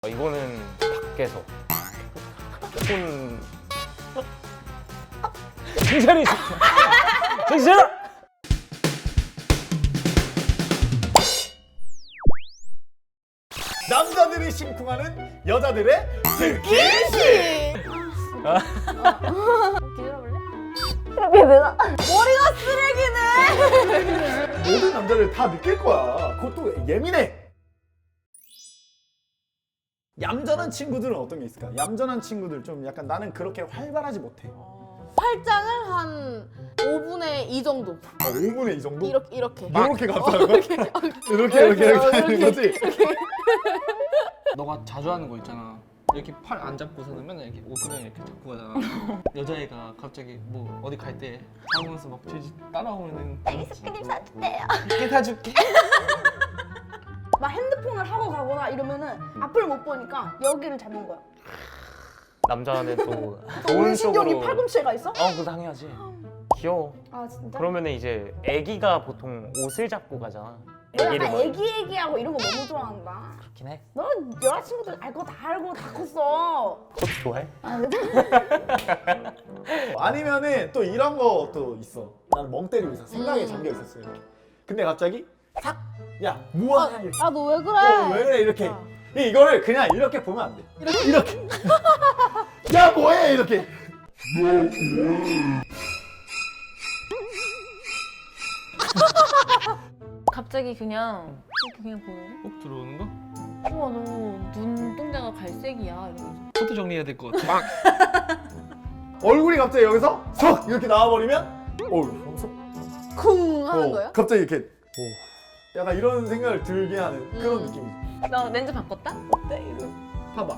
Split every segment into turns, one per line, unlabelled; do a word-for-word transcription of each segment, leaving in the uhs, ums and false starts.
어, 이거는 밖에서 혼 정신이 정신
남자들이 심쿵하는 여자들의 스킨십!
뒤돌아볼래? 이렇게 되나? 머리가 쓰레기네!
모든 남자들 다 느낄 거야. 그것도 예민해. 얌전한 친구들은 어떤 게 있을까? 얌전한 친구들 좀 약간 나는 그렇게 활발하지 못해.
팔짱을 한 오분의 이 정도.
아, 오분의 이 정도?
이렇게 이렇게.
이렇게 감싸는 거야?
이렇게.
이렇게 이렇게 이렇게 하는 거지?
너가 자주 하는 거 있잖아. 이렇게 팔 안 잡고서는 맨날 이렇게 옷그냥 이렇게 잡고 가잖아. 여자애가 갑자기 뭐 어디 갈 때 하면서 막 뒤지 따라오면은
애기 스킨십 사줄게요.
이렇게 사줄게.
막 핸드폰을 하고 가거나 이러면은 앞을 못 보니까 여기를 잡는 거야.
남자는 또
또
좋은
운신경이
쪽으로
팔꿈치가 있어?
어 그거 당연하지. 귀여워.
아 진짜?
그러면은 이제 애기가 보통 옷을 잡고 가잖아.
너
애기를
약간
막-
애기 애기하고 이런 거 너무 좋아한다.
그렇긴 해.
너 여자친구들 알 거 다 알고 다 컸어.
그것도 좋아해?
아, 그래?
아니면은 또 이런 것도 있어. 나는 멍 때리고 있어. 생각에
음.
잠겨 있었어 이렇게. 근데 갑자기 삭! 야 뭐하냐 이렇게.
아 너 왜 그래?
어, 왜 그래 이렇게.
어.
이- 이거를 그냥 이렇게 보면 안 돼. 이렇게 이렇게. 야 뭐해 이렇게.
갑자기 그냥 이렇게 그냥 보는
꼭 들어오는 거?
거? 우와 너 눈동자가 갈색이야 이러면서
포토 정리해야 될 것 같아.
얼굴이 갑자기 여기서 석 이렇게 나와버리면 어우 하면서
쿵 하는
어,
거예요?
갑자기 이렇게 오. 약간 이런 생각을 들게 하는 그런
음.
느낌이지.
나 렌즈 바꿨다?
어때? 이러.
봐봐.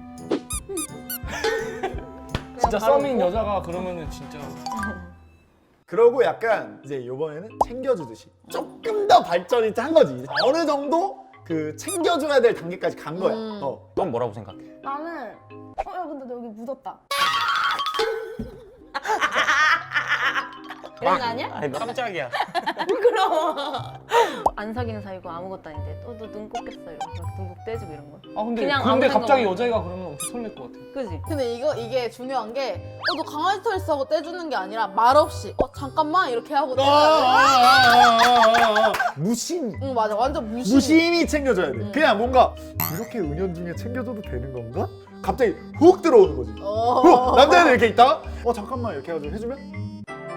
진짜
바로
썸인
웃고?
여자가 그러면은 진짜
그러고 약간 이제 이번에는 챙겨주듯이 조금 더 발전이 한 거지. 어느 정도 그 챙겨줘야 될 단계까지 간 거야.
음.
어.
넌 뭐라고 생각해?
나는 어야 근데 너 여기 묻었다.
이런 거 아니야?
아니 깜짝이야.
안 사귀는 사이고 아무것도 아닌데 또 너 눈 꽂겠어 이러면서 막 눈곱 떼주고 이런 거
아 근데
그냥
근데
아무
갑자기
생각
여자애가 그러면 엄청 설렐 것 같아.
그지?
근데 이거 이게 중요한 게 어, 너 강아지 털 있어 하고 떼주는 게 아니라 말없이 어 잠깐만 이렇게 하고
아,
떼줘야
아, 아, 아, 아. 무심.
돼. 응 맞아 완전 무심.
무심히 챙겨줘야 돼.
음.
그냥 뭔가 이렇게 은연중에 챙겨줘도 되는 건가? 갑자기 훅 들어오는 거지.
어.
훅! 남자애들 이렇게 있다가 어 잠깐만 이렇게 해가지고 해주면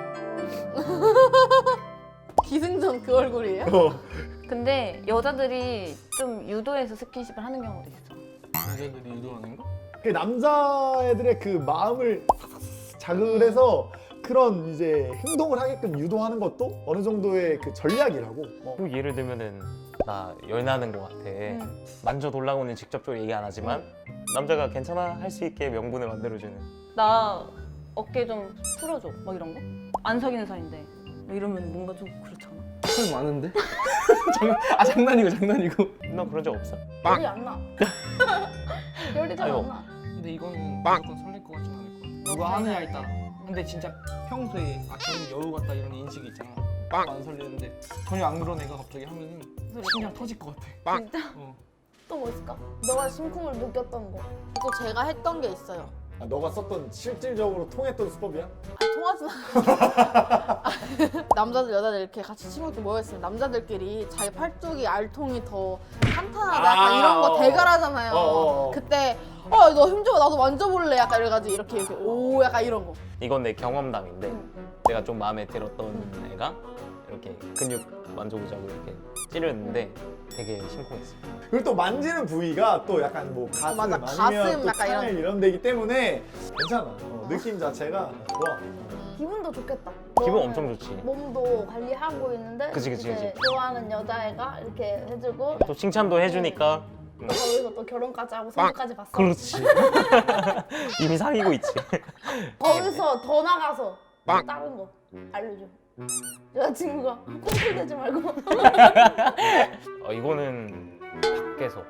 기승전 그 얼굴이에요?
어.
근데 여자들이 좀 유도해서 스킨십을 하는 경우도 있어
여자들이 유도하는 거?
그 남자애들의 그 마음을 자극을 해서 그런 이제 행동을 하게끔 유도하는 것도 어느 정도의 그 전략이라고. 어.
또 예를 들면은 나 열나는 것 같아. 만져 돌라고는 직접적으로 얘기 안 하지만 남자가 괜찮아 할 수 있게 명분을 만들어주는.
나 어깨 좀 풀어줘 막 이런 거? 안 사귀는 사이인데 막 이러면 뭔가 좀 그렇잖아
털 많은데? 장난, 아 장난이고 장난이고.
너 그런 적 없어?
열이 안 나. 열이 잘
아이고.
안 나.
근데 이거는 무조건 설렐 것 같진 않을 것 같아. 누가 하느냐에 따라. 근데 진짜 평소에 아 저는 여우 같다 이런 인식이 있잖아. 안 설레는데 전혀 안 그런 애가 갑자기 하면은 심장 터질 것 같아.
진짜?
어.
또 뭐 있을까? 너가 심쿵을 느꼈던 거.
또 제가 했던 게 있어요.
아, 너가 썼던 실질적으로 통했던 수법이야?
아니, 통하진 않아. 남자들 여자들 이렇게 같이 친구들 모여있으면 남자들끼리 자기 팔뚝이 알통이 더 탄탄하다 약간
아,
이런 거
어.
대결하잖아요.
어, 어, 어.
그때 어 너 힘줘봐 나도 만져볼래 약간 이래가지고 이렇게 이렇게 오 약간 이런 거.
이건 내 경험담인데 내가 좀 마음에 들었던 애가 이렇게 근육 만져보자고 이렇게 찌르는데 되게 심쿵했어.
그리고 또 만지는 부위가 또 약간 뭐 가슴
맞아,
아니면
가슴
또
약간
팔
이런.
이런 데기 때문에 괜찮아. 어, 느낌 자체가 좋아.
기분도 좋겠다.
기분
너는
엄청 좋지.
몸도 관리하고 있는데
그치, 그치,
이제
그치.
좋아하는 여자애가 이렇게 해주고
또 칭찬도 해주니까 음,
거기서 또 결혼까지 하고 손주까지 봤어.
그렇지. 이미 사귀고 있지.
거기서 더 나가서 또 다른 거 알려줘. 여자친구가 꽁틀대지 말고.
어, 이거는 밖에서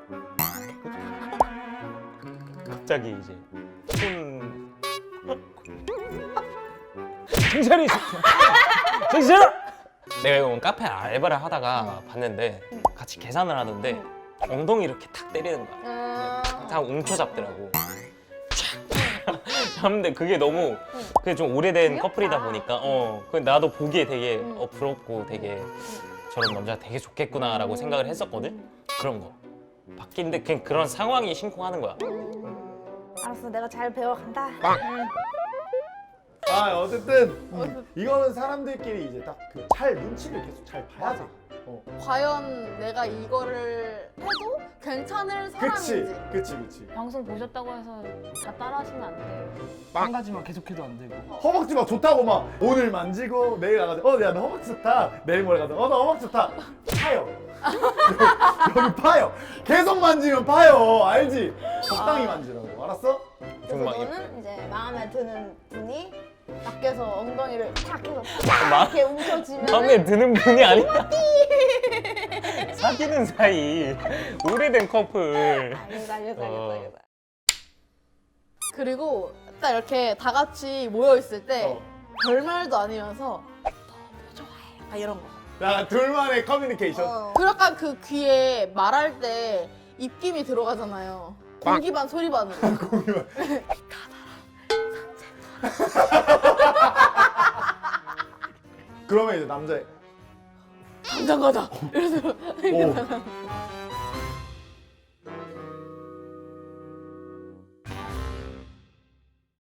갑자기 이제 손 정신이 정신 내가 이건 카페 알바를 하다가 봤는데 같이 계산을 하던데 엉덩이 이렇게 탁 때리는 거야.
음...
다 웅쳐잡더라고. 잡는데 그게 너무 그게 좀 오래된
귀엽다.
커플이다 보니까 어, 그 나도 보기에 되게
응.
어, 부럽고 되게 저런 남자가 되게 좋겠구나라고 생각을 했었거든. 그런 거 바뀐데 그냥 그런 상황이 심쿵하는 거야.
알았어, 내가 잘 배워간다.
아 어쨌든 음, 이거는 사람들끼리 이제 딱 그 잘 눈치를 계속 잘 봐야 돼. 어.
과연 내가 이거를 해도 괜찮을
그치,
사람인지.
그치, 그치.
방송 보셨다고 해서 다 따라하시면 안 돼요.
한 가지만 계속해도 안 되고.
허벅지 막 좋다고 막 오늘 만지고 내일 가가지고 어, 야, 너 허벅지 좋다. 내일 모레 가서 어, 너 허벅지 좋다. 파요. 여기 파요. 계속 만지면 파요. 알지? 적당히 만지라고. 알았어?
그래서
정말
너는 이제 마음에 드는 분이 밖에서 엉덩이를 탁 해서
마-
이렇게 움켜쥐면
마음에 드는 분이 아니야. 사귀는 사이 오래된 커플.
알겠다, 알겠다,
어.
알겠다, 알겠다.
그리고 딱 이렇게 다 같이 모여 있을 때
어.
별말도 아니면서 너무 좋아해. 막 이런 거.
야, 둘만의 커뮤니케이션.
어.
그 약간 그 귀에 말할 때 입김이 들어가잖아요. 공기 반 소리 반으로.
거기만. 그러면 이제 남자
당장 가자. 이래서
오.